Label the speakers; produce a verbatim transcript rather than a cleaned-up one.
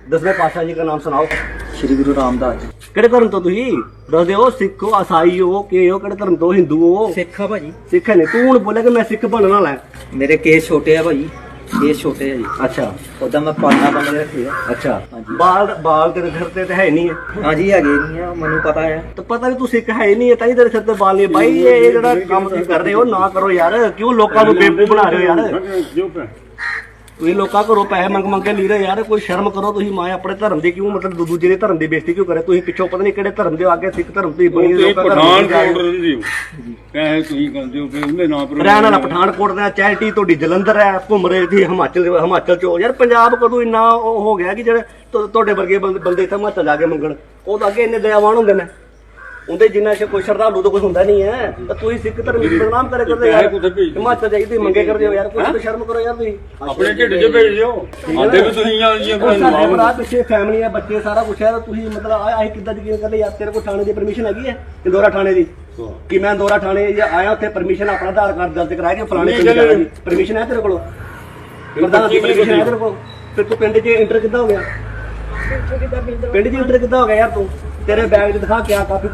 Speaker 1: दसवें पातशाह जी का नाम सुनाओ।
Speaker 2: श्री गुरु रामदास जी।
Speaker 1: ਕਿਹੜੇ ਧਰਮ ਤੋਂ ਤੁਸੀਂ ਦੱਸ ਦਿਓ। ਸਿੱਖ ਹੋ, ਈਸਾਈ ਹੋ, ਕਿ ਹੋ, ਕਿਹੜੇ ਧਰਮ ਤੋਂ? ਹਿੰਦੂ ਹੋ?
Speaker 2: ਸਿੱਖ ਆ ਭਾਜੀ।
Speaker 1: ਸਿੱਖ ਨੇ। ਤੂੰ ਹੁਣ ਬੋਲਿਆ ਕਿ ਮੈਂ ਸਿੱਖ ਬਣਨ ਵਾਲਾ ਹੈ।
Speaker 2: ਮੇਰੇ ਕੇਸ ਛੋਟੇ ਆ ਭਾਜੀ, ਕੇਸ ਛੋਟੇ ਆ ਜੀ।
Speaker 1: ਅੱਛਾ
Speaker 2: ਉਦਾਂ ਮੈਂ ਪਾਲਣਾ ਬੰਦੇ ਰੱਖੇ ਆ।
Speaker 1: ਅੱਛਾ
Speaker 2: ਹਾਂਜੀ।
Speaker 1: ਬਾਲ ਬਾਲ ਤੇਰੇ ਸਿਰ ਤੇ ਤਾਂ ਹੈ ਨਹੀਂ ਹੈ।
Speaker 2: ਹਾਂਜੀ ਹੈਗੇ ਨਹੀਂ ਆ, ਮੈਨੂੰ ਪਤਾ ਹੈ।
Speaker 1: ਤਾਂ ਪਤਾ ਵੀ ਤੂੰ ਸਿੱਖ ਹੈ ਹੀ ਨਹੀਂ ਹੈ, ਤਾਂ ਹੀ ਤੇਰੇ ਸਿਰ ਤੇ ਬਾਲ ਨਹੀਂ। ਬਾਈ ਇਹ ਜਿਹੜਾ ਕੰਮ ਤੁਸੀਂ ਕਰ ਰਹੇ ਹੋ ਨਾ ਕਰੋ ਯਾਰ। ਕਿਉਂ ਲੋਕਾਂ ਨੂੰ ਬੇਵਕੂਫ ਬਣਾ ਰਹੇ ਹੋ ਯਾਰ? ਤੁਸੀਂ ਲੋਕਾਂ ਘਰੋਂ ਪੈਸੇ ਮੰਗ ਮੰਗ ਕੇ ਲੀ ਰਹੇ ਯਾਰ। ਕੋਈ ਸ਼ਰਮ ਕਰੋ ਤੁਸੀਂ। ਮਾਂ ਆਪਣੇ ਧਰਮ ਦੀ ਕਿਉਂ ਮਤਲਬ ਦੂਜੇ ਦੇ ਧਰਮ ਦੀ ਬੇਇੱਜ਼ਤੀ ਕਿਉਂ ਕਰੇ? ਤੁਸੀਂ ਪਿੱਛੋਂ ਪਤਾ ਨਹੀਂ ਕਿਹੜੇ ਧਰਮ ਦੇ ਅੱਗੇ ਸਿੱਖ ਧਰਮ ਦੀ ਬਣੀ ਲੋਕਾਂ
Speaker 3: ਪਠਾਨਕੋਟ ਰਹਿੰਦੇ ਹੋ ਪੈਸੇ ਤੁਸੀਂ ਕਰਦੇ ਹੋ ਫਿਰ ਉਹਦੇ ਨਾਂ ਪਰ
Speaker 1: ਰਹਿਣ ਵਾਲਾ ਪਠਾਨਕੋਟ ਦਾ। ਚੈਰਿਟੀ ਤੁਹਾਡੀ ਜਲੰਧਰ ਹੈ, ਘੁੰਮ ਰਹੇ ਸੀ ਹਿਮਾਚਲ ਹਿਮਾਚਲ ਚ। ਯਾਰ ਪੰਜਾਬ ਕਦੋਂ ਇੰਨਾ ਉਹ ਹੋ ਗਿਆ ਕਿ ਜਿਹੜੇ ਤੁ- ਤੁਹਾਡੇ ਵਰਗੇ ਬੰਦੇ ਬੰਦੇ ਇੱਥੇ ਹਿਮਾਚਲ ਜਾ ਕੇ ਮੰਗਣ? ਉਹ ਤਾਂ ਅੱਗੇ ਇੰਨੇ ਦਇਆਵਾਨ ਹੁੰਦੇ ਨੇ। ਉਹਦੇ ਜਿੰਨਾ ਚ ਕੋਈ ਸ਼ਰਧਾਲੂ ਤਾਂ ਕੋਈ ਹੁੰਦਾ ਨਹੀਂ ਹੈ। ਤਾਂ ਤੁਸੀਂ ਸਿੱਖ ਧਰਮ ਦੀ ਬਦਨਾਮ ਕਰੇ ਕਰਦੇ ਯਾਰ। ਹਿਮਾਚਲ ਜਾਈ ਤੁਸੀਂ ਮੰਗੇ ਕਰਦੇ ਹੋ ਯਾਰ। ਕੁਝ ਤਾਂ ਸ਼ਰਮ ਕਰੋ ਯਾਰ ਤੁਸੀਂ।
Speaker 3: ਆਪਣੇ ਢਿੱਡ 'ਚ ਭੇਜ ਦਿਓ। ਆਂਦੇ ਵੀ ਤੁਸੀਂ ਆ ਜੀ
Speaker 1: ਸਾਡੇ ਭਰਾ ਪਿੱਛੇ ਫੈਮਿਲੀ ਹੈ, ਬੱਚੇ, ਸਾਰਾ ਕੁਛ ਹੈ। ਤਾਂ ਤੁਸੀਂ ਮਤਲਬ ਆਹ ਕਿੱਦਾਂ ਯਕੀਨ ਕਰਦੇ ਯਾਰ? ਤੇਰੇ ਕੋਲ ਥਾਣੇ ਦੀ ਪਰਮਿਸ਼ਨ ਹੈਗੀ ਹੈ ਇੰਦੋਰਾ ਥਾਣੇ ਦੀ? ਕਿ ਮੈਂ ਇੰਦੋਰਾ ਥਾਣੇ ਜਾਂ ਆਇਆ ਉੱਥੇ ਪਰਮਿਸ਼ਨ ਆਪਣਾ ਆਧਾਰ ਕਾਰਡ ਦਰਜ ਕਰਾਇਆ ਕਿ ਫਲਾਣੇ ਪਿੰਡ ਜਾਣਾ ਜੀ? ਪਰਮਿਸ਼ਨ ਹੈ ਤੇਰੇ ਕੋਲ? ਪ੍ਰਧਾਨ ਦੀ ਪਰਮਿਸ਼ਨ ਹੈ ਤੇਰੇ ਕੋਲ? ਫਿਰ ਤੂੰ ਪਿੰਡ 'ਚ ਇੰਟਰ ਕਿੱਦਾਂ ਹੋ ਗਿਆ? ਪਿੰਡ 'ਚ ਇੰਟਰ ਕਿੱਦਾਂ ਹੋ ਗਿਆ ਯਾਰ ਤੂੰ? ਤੇਰੇ ਬੈਗ 'ਚ ਦਿਖਾ ਕਿਆ ਕਾਪੀ